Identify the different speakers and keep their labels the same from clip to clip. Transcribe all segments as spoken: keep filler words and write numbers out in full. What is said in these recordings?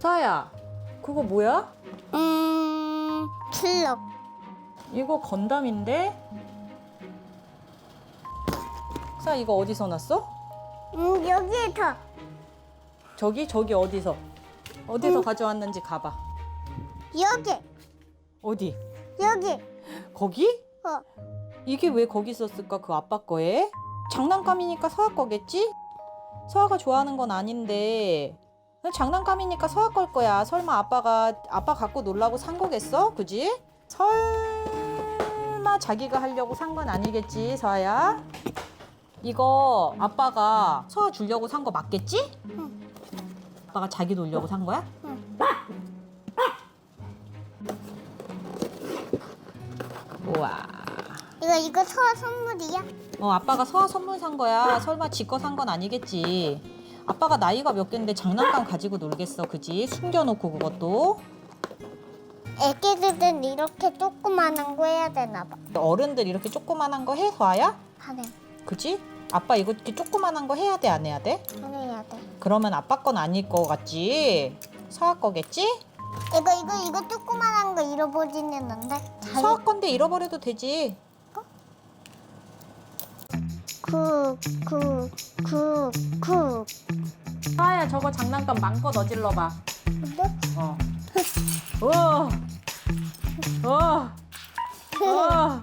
Speaker 1: 서아야, 그거 뭐야?
Speaker 2: 음, 트럭.
Speaker 1: 이거 건담인데? 서아, 이거 어디서 났어?
Speaker 2: 음, 여기에서.
Speaker 1: 저기? 저기 어디서? 어디서 가져왔는지 가봐.
Speaker 2: 여기,
Speaker 1: 어디?
Speaker 2: 여기.
Speaker 1: 거기?
Speaker 2: 어,
Speaker 1: 이게 왜 거기 있었을까? 그 아빠 거에? 장난감이니까 서아 거겠지? 서아가 좋아하는 건 아닌데 장난감이니까 서아 걸 거야. 설마 아빠가 아빠 갖고 놀라고 산 거겠어? 그지? 설마 자기가 하려고 산 건 아니겠지, 서아야? 이거 아빠가 서아 주려고 산 거 맞겠지?
Speaker 2: 응.
Speaker 1: 아빠가 자기 놀려고 산 거야?
Speaker 2: 응.
Speaker 1: 우와.
Speaker 2: 이거, 이거 서 선물이야?
Speaker 1: 어, 아빠가 서아 선물 산 거야. 설마 지 거 산 건 아니겠지. 아빠가 나이가 몇 갠데 장난감 가지고 놀겠어, 그지? 숨겨놓고 그것도.
Speaker 2: 애기들은 이렇게 조그만한 거 해야 되나 봐.
Speaker 1: 어른들 이렇게 조그만한 거 해, 서아야?
Speaker 2: 하네.
Speaker 1: 그지? 아빠 이거 이렇게 조그만한 거 해야 돼, 안 해야 돼?
Speaker 2: 해야 돼.
Speaker 1: 그러면 아빠 건 아닐 거 같지? 서아 거겠지?
Speaker 2: 이거, 이거, 이거 조그만한 거 잃어버리는데?
Speaker 1: 서아 건데 잃어버려도 되지.
Speaker 2: 쿡, 쿡, 쿡, 쿡.
Speaker 1: 서아야, 저거 장난감 맘껏 어질러 봐.
Speaker 2: 근데?
Speaker 1: 어. 우와. 우와. 우와.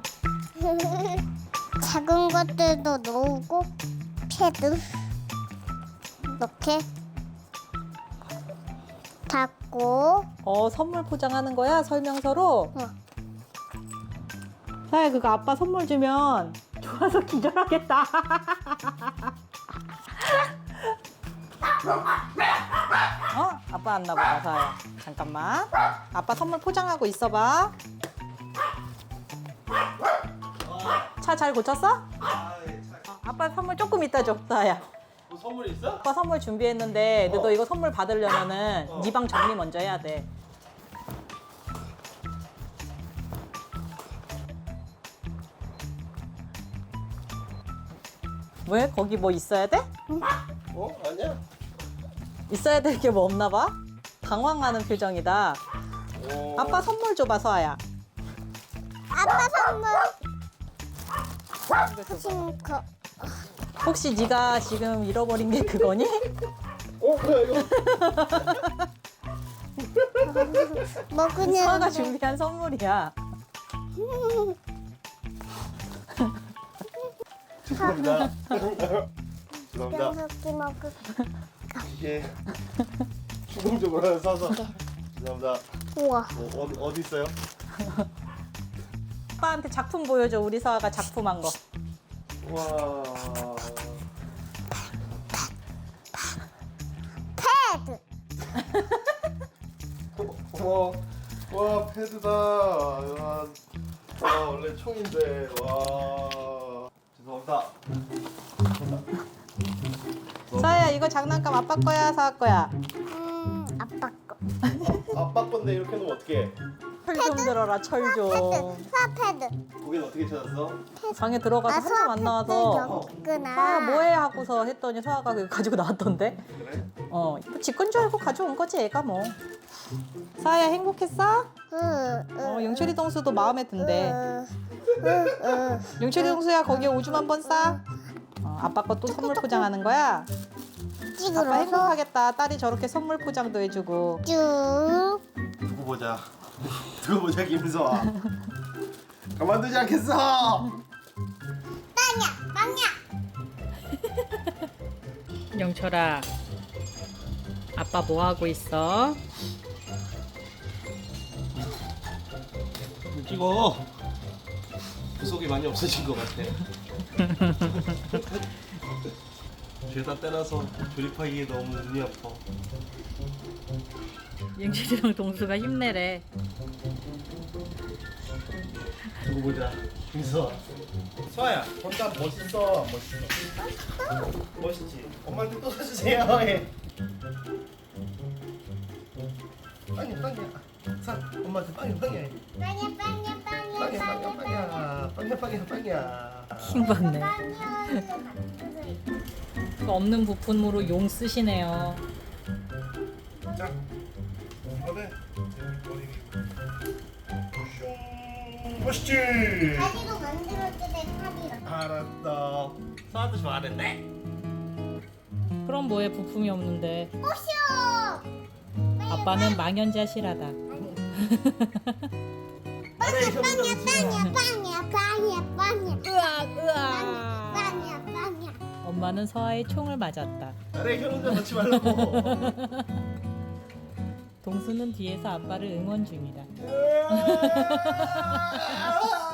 Speaker 2: 작은 것들도 놓고 패드 이렇게 닫고
Speaker 1: 어, 선물 포장하는 거야, 설명서로?
Speaker 2: 어.
Speaker 1: 서아야, 그거 아빠 선물 주면 좋아서 기절하겠다. 어? 아빠 왔나 보다, 서아야. 잠깐만. 아빠 선물 포장하고 있어봐. 차 잘 고쳤어?
Speaker 3: 아, 예, 차.
Speaker 1: 어, 아빠 선물 조금 이따 줘, 서아야.
Speaker 3: 뭐 선물 있어?
Speaker 1: 아빠 선물 준비했는데
Speaker 3: 어.
Speaker 1: 너 이거 선물 받으려면은
Speaker 3: 어.
Speaker 1: 네 방 정리 먼저 해야 돼. 왜? 거기 뭐 있어야 돼?
Speaker 3: 어? 아니야?
Speaker 1: 있어야 될 게 뭐 없나 봐? 당황하는 표정이다.
Speaker 3: 오.
Speaker 1: 아빠 선물 줘봐, 서아야.
Speaker 2: 아빠 선물
Speaker 1: 이거 줘봐.
Speaker 2: 싱크
Speaker 1: 혹시 네가 지금 잃어버린 게 그거니?
Speaker 3: 어, 뭐야 이거?
Speaker 2: 먹으려는데
Speaker 1: 서아가 준비한 선물이야.
Speaker 3: 죄송합니다. 죄송합니다.
Speaker 2: 뼈석기 먹을
Speaker 3: 이게 충동적으로 사서 죄송합니다.
Speaker 2: 우와
Speaker 3: 어, 어디 어디 있어요?
Speaker 1: 아빠한테 작품 보여줘. 우리 서아가 작품한 거.
Speaker 3: 와.
Speaker 2: 패드
Speaker 3: 와, 와 패드다. 와, 와 원래 총인데 와. 죄송합니다.
Speaker 1: 서아야, 이거 장난감 아빠 거야, 서아 거야?
Speaker 2: 음 아빠 거
Speaker 3: 아빠 건데 이렇게 놓으면 어떡해?
Speaker 1: 철 좀 들어라, 철 좀.
Speaker 2: 패드 수아 패드
Speaker 3: 거긴 어떻게 찾았어?
Speaker 1: 방에 들어가서
Speaker 2: 아
Speaker 1: 한참
Speaker 2: 수아
Speaker 1: 안
Speaker 2: 패드
Speaker 1: 나와서
Speaker 2: 여기 있구나
Speaker 1: 서아 뭐해 하고서 했더니 서아가 그거 가지고 나왔던데.
Speaker 3: 그래?
Speaker 1: 어, 지건 줄 알고 가져온 거지, 애가 뭐. 서아야, 행복했어? 어, 용철이 동수도 마음에 든대. 용철이 동수야, 거기에 오줌 한 번 싸. 어, 아빠 거 또 선물 포장하는 거야? 아빠
Speaker 2: 찍으러서
Speaker 1: 행복하겠다. 딸이 저렇게 선물 포장도 해주고.
Speaker 2: 쭉
Speaker 3: 두고 보자. 두고 보자 김서아. 가만두지 않겠어.
Speaker 2: 빵야 빵야
Speaker 1: 용철아, 아빠 뭐 하고 있어?
Speaker 3: 찍어. 구석이 많이 없어진 것 같아. 죄다 떼놔서 조립하기에 너무 눈이 아파.
Speaker 1: 용철이랑 동수가 힘내래.
Speaker 3: 두고 보자. 김서아. 서아야, 건담 멋있어, 안 멋있어? 멋있지. 엄마한테 또 사주세요. 해. 빵이야, 빵이야. 사, 엄마한테 빵이야, 빵이야.
Speaker 2: 빵야 빵야 빵야
Speaker 3: 빵이야, 빵이야, 빵이야. 빵이야, 빵이야, 빵이야.
Speaker 1: 킹받네.
Speaker 2: 빵야
Speaker 1: 없는 부품으로 용 쓰시네요.
Speaker 3: 자, 이거는 머리 슝 멋있지?
Speaker 2: 다리로 만들어도 돼, 다리로.
Speaker 3: 알았어. 서아도 좋아하는데?
Speaker 1: 그럼 뭐해, 부품이 없는데.
Speaker 2: 오쇼!
Speaker 1: 아빠는 망연자실하다.
Speaker 3: 아래
Speaker 2: 빵이야, 빵이야, 빵이야, 빵이야, 빵이야.
Speaker 1: 으악 으악.
Speaker 2: 빵이야, 빵이야.
Speaker 1: 엄마는 서아의 총을 맞았다.
Speaker 3: 아래 현 혼자 넣지 말라고.
Speaker 1: 동수는 뒤에서 아빠를 응원 중이다.
Speaker 3: 으아!